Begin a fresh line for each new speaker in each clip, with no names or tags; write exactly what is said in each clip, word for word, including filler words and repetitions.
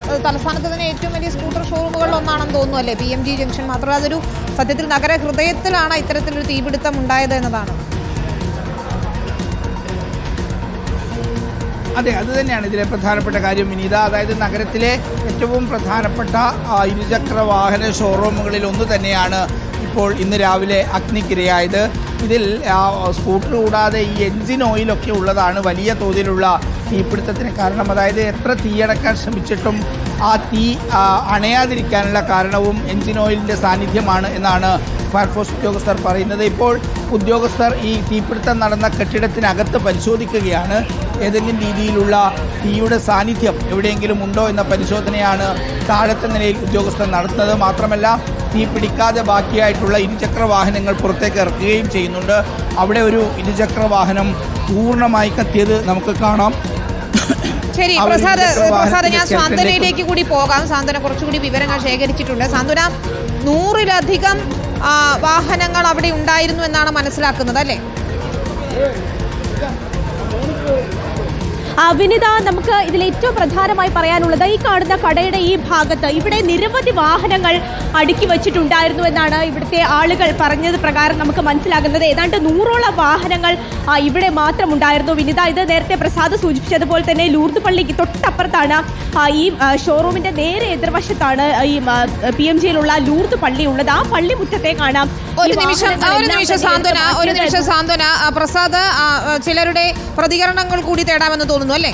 തലസ്ഥാനത്ത് തന്നെ ഏറ്റവും വലിയ സ്കൂട്ടർ ഷോറൂമുകളിൽ ഒന്നാണെന്ന് തോന്നുന്നു അല്ലേ പി എം ജി ജംഗ്ഷൻ. മാത്രമല്ല അതൊരു സത്യത്തിൽ നഗര ഹൃദയത്തിലാണ് ഇത്തരത്തിലൊരു തീപിടുത്തം ഉണ്ടായത് എന്നതാണ്.
അതെ, അത് തന്നെയാണ് ഇതിലെ പ്രധാനപ്പെട്ട കാര്യം വിനീത. അതായത് നഗരത്തിലെ ഏറ്റവും പ്രധാനപ്പെട്ട ഇരുചക്ര വാഹന ഷോറൂമുകളിൽ ഒന്ന് തന്നെയാണ് ഇപ്പോൾ ഇന്ന് രാവിലെ അഗ്നിക്കിരയായത്. ഇതിൽ സ്കൂട്ടർ കൂടാതെ ഈ എൻജിൻ ഓയിലൊക്കെ ഉള്ളതാണ് വലിയ തോതിലുള്ള തീപിടുത്തത്തിന് കാരണം. അതായത് എത്ര തീയടക്കാൻ ശ്രമിച്ചിട്ടും ആ തീ അണയാതിരിക്കാനുള്ള കാരണവും എൻജിൻ ഓയിലിൻ്റെ സാന്നിധ്യമാണ് എന്നാണ് ഫയർഫോഴ്സ് ഉദ്യോഗസ്ഥർ പറയുന്നത്. ഇപ്പോൾ ഉദ്യോഗസ്ഥർ ഈ തീപിടുത്തം നടന്ന കെട്ടിടത്തിനകത്ത് പരിശോധിക്കുകയാണ്. ഏതെങ്കിലും രീതിയിലുള്ള തീയുടെ സാന്നിധ്യം എവിടെയെങ്കിലും ഉണ്ടോ എന്ന പരിശോധനയാണ് താഴത്തെ നിലയിൽ ഉദ്യോഗസ്ഥർ നടത്തുന്നത്. മാത്രമല്ല തീ പിടിക്കാതെ ബാക്കിയായിട്ടുള്ള ഇരുചക്ര വാഹനങ്ങൾ പുറത്തേക്ക് ഇറക്കുകയും ചെയ്യുന്നുണ്ട്. അവിടെ ഒരു ഇരുചക്ര വാഹനം പൂർണ്ണമായി കത്തിയത് നമുക്ക് കാണാം.
ശരി പ്രസാദ്, പ്രസാദ് ഞാൻ സാന്ത്വനയിലേക്ക് കൂടി പോകാം. സാന്ത്വന കുറച്ചുകൂടി വിവരങ്ങൾ ശേഖരിച്ചിട്ടുണ്ട്. സാന്ത്വന, നൂറിലധികം വാഹനങ്ങൾ അവിടെ ഉണ്ടായിരുന്നു എന്നാണ് മനസ്സിലാക്കുന്നത് അല്ലേ?
വിനിത, നമുക്ക് ഇതിൽ ഏറ്റവും പ്രധാനമായി പറയാനുള്ളത് ഈ കാണുന്ന കടയുടെ ഈ ഭാഗത്ത് ഇവിടെ നിരവധി വാഹനങ്ങൾ അടുക്കി വച്ചിട്ടുണ്ടായിരുന്നു എന്നാണ് ഇവിടുത്തെ ആളുകൾ പറഞ്ഞത് പ്രകാരം നമുക്ക് മനസ്സിലാകുന്നത്. ഏതാണ്ട് നൂറോളം വാഹനങ്ങൾ ഇവിടെ മാത്രം ഉണ്ടായിരുന്നു വിനിത. ഇത് നേരത്തെ പ്രസാദ് സൂചിപ്പിച്ചതുപോലെ തന്നെ ലൂർദ് പള്ളിക്ക് തൊട്ടപ്പുറത്താണ്, ഈ ഷോറൂമിന്റെ നേരെ എതിർവശത്താണ് ഈ പി എം ജിയിലുള്ള ലൂർദ് പള്ളി ഉള്ളത്. ആ പള്ളി മുറ്റത്തേക്കാണ്.
ഒരു നിമിഷം ഒരു നിമിഷം സാന്ത്വന ഒരു നിമിഷം സാന്ത്വന പ്രസാദ്, ചിലരുടെ പ്രതികരണങ്ങൾ കൂടി തേടാമെന്ന് തോന്നുന്നു അല്ലേ?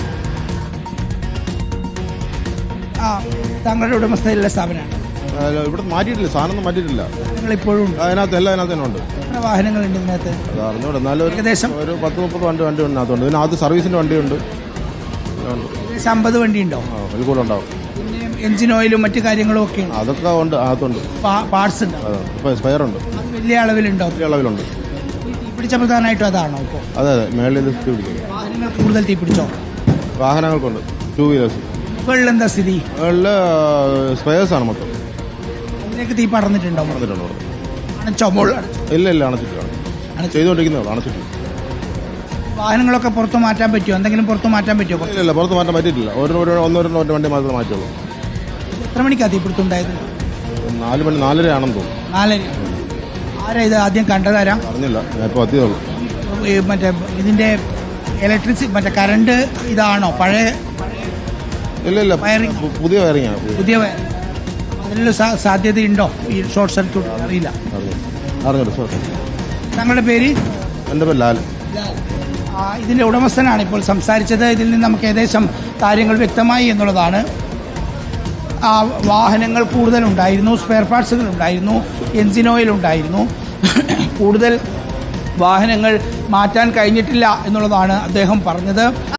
താങ്കളുടെ ഉടമസ്ഥയിലുള്ള സ്ഥാപനമാണ്
ഇവിടെ മാറ്റിയിട്ടില്ല, സാധനം മാറ്റിയിട്ടില്ല.
നിങ്ങളിപ്പോഴും
അതിനകത്ത് എല്ലാം അതിനകത്ത് തന്നെ ഉണ്ട്.
എത്ര വാഹനങ്ങളുണ്ട് ഇതിനകത്ത്?
അറിഞ്ഞൂടെ, എന്നാലും ഏകദേശം ഒരു പത്ത് മുപ്പത് വണ്ടി വണ്ടി ഇതിനകത്തുണ്ട്. ഇതിനകത്ത് സർവീസിന്റെ വണ്ടിയുണ്ട്.
ഏകദേശം അമ്പത് വണ്ടി ഉണ്ടോ?
അതിൽ കൂടെ ഉണ്ടാവും.
പിന്നെ എഞ്ചിൻ ഓയിലും മറ്റു കാര്യങ്ങളും ഒക്കെ
അതൊക്കെ ഉണ്ട്, അകത്തുണ്ട്.
പാർട്സ് ഉണ്ട്,
സ്പെയർ ഉണ്ട്.
വലിയ അളവിലുണ്ടോ?
വലിയ അളവിലുണ്ട്.
പിടിച്ച പ്രധാനമായിട്ടും അതാണോ ഇപ്പോൾ?
അതെ അതെ, മേളിൽ തീ പിടിക്കും.
വാഹനങ്ങൾ കൂടുതൽ തീ പിടിച്ചോ?
വാഹനങ്ങൾക്കുണ്ട്, ടൂ വീലേഴ്സ്.
മുകളിൽ എന്താ സ്ഥിതി?
മുകളിൽ സ്പെയേഴ്സ് ആണ് മൊത്തം.
അതിലേക്ക് തീ പടർന്നിട്ടുണ്ടോ?
പടർന്നിട്ടുണ്ടോ?
അണച്ചോ?
ഇല്ല ഇല്ല, അണച്ചിട്ടാണ് ചെയ്തുകൊണ്ടിരിക്കുന്നതാണ്. അണച്ചിട്ടില്ല.
വാഹനങ്ങളൊക്കെ പുറത്ത് മാറ്റാൻ പറ്റുമോ? എന്തെങ്കിലും പുറത്ത് മാറ്റാൻ പറ്റുമോ?
ഇല്ല ഇല്ല, പുറത്ത് മാറ്റാൻ പറ്റിയിട്ടില്ല. ഒരു ഒന്നോ രണ്ടോ വണ്ടി മാത്രമേ മാറ്റുള്ളൂ.
എത്ര മണിക്കാണ് തീപിടുത്തം ഉണ്ടായത്?
നാല് മണി നാലര ആണെന്ന് തോന്നുന്നു.
നാലര. ആരാ ഇത് ആദ്യം കണ്ടതാരാ?
അറിഞ്ഞില്ല, ഞാൻ ഇപ്പോൾ എത്തിയതുള്ളൂ.
മറ്റേ ഇതിന്റെ ഇലക്ട്രിസിറ്റി മറ്റേ കറണ്ട് ഇതാണോ പഴയ?
ഇല്ല ഇല്ല, പുതിയ വയറിംഗ് ആണ്.
പുതിയ അതിനുള്ള സാധ്യതയുണ്ടോ ഈ ഷോർട്ട് സർക്യൂട്ട്? അറിയില്ല.
അറിഞ്ഞില്ല.
താങ്കളുടെ പേര്?
എൻ്റെ പേര് ലാൽ.
ഇതിന്റെ ഉടമസ്ഥനാണ് ഇപ്പോൾ സംസാരിച്ചത്. ഇതിൽ നിന്ന് നമുക്ക് ഏകദേശം കാര്യങ്ങൾ വ്യക്തമായി എന്നുള്ളതാണ്. ആ വാഹനങ്ങൾ കൂടുതലുണ്ടായിരുന്നു, സ്പെയർ പാർട്സുകൾ ഉണ്ടായിരുന്നു, എൻജിൻ ഓയിൽ ഉണ്ടായിരുന്നു. കൂടുതൽ വാഹനങ്ങൾ മാറ്റാൻ കഴിഞ്ഞിട്ടില്ല എന്നുള്ളതാണ് അദ്ദേഹം പറഞ്ഞത്.